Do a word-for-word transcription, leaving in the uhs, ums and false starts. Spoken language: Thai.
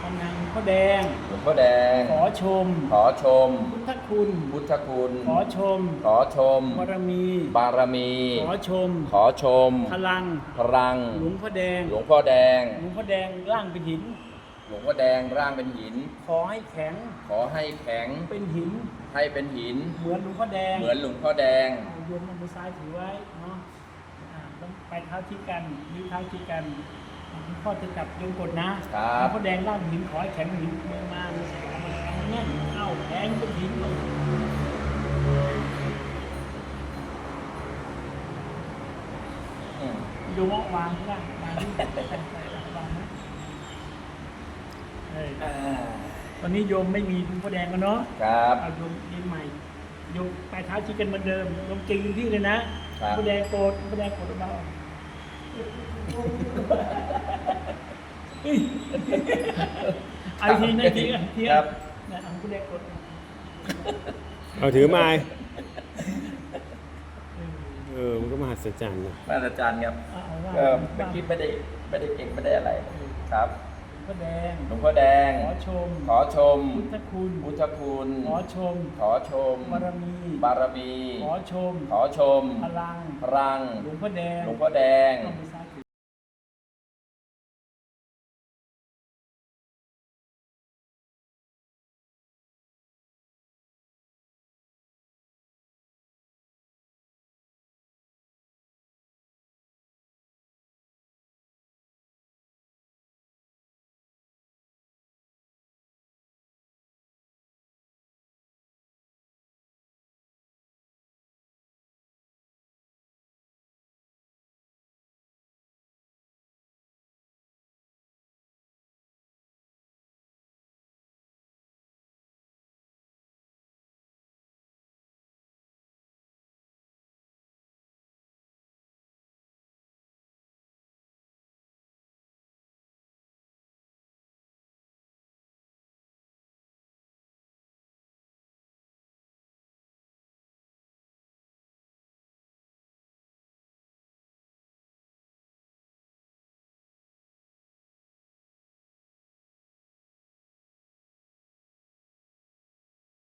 ำนางหลวงพ่อแดงหลวงพ่อแดงขอชมขอชมพุทธคุณพุทธคุณขอชมขอชมบารมีบารมีขอชมขอชมพลังพลังหลวงพ่อแดงหลวงพ่อแดงหลวงพ่อแดงร่างเป็นหินหลวงพ่อแดงร่างเป็นหินขอให้แข็งขอให้แข็งเป็นหินให้เป็นหินเหมือนหลวงพ่อแดงเหมือนหลวงพ่อแดงเอาโยมมือซ้ายถือไว้เนาะอ่าต้องไปเท้าที่กันนิ้วเท้าที่กันหลวงพ่อจะจับโยมกดนะครับ หลวงพ่อแดงร่างหินขอให้แข็งเป็นหินมือมามือใส่กันมาแน่นเอ้าแข็งเป็นหินเลยอืมโยมเอาวางข้างล่างวางที่วางนะเอออ่าตอนนี้โยมไม่มีหลวงพ่อแดงกันเนาะครับเอาโยมเรียนใหม่โยมไปเท้าชี้กันเหมือนเดิมโยมจริงที่เลยนะครับ หลวงพ่อแดงโกรธหลวงพ่อแดงโกรธเบาเฮ้ยเอาอีกทีนะอีกทีนะอีกทีครันะบนะเอาหลวงพ่อแดงโกรธเอาถือไม้เออมันก็มหัศจรรย์นะมาอาจารย์ครับเอาเอาว่าก็เมื่อกี้ไม่ได้ไม่ได้เก่งไม่ได้อะไรครับหลวงพ่อแดงหลวงพ่อแดงขอชมขอชมพุทธคุณพุทธคุณขอชมขอชมบารมีบารมีขอชมขอชมพลังพลังหลวงพ่อแดงหลวงพ่อแดงเอามือซ้าย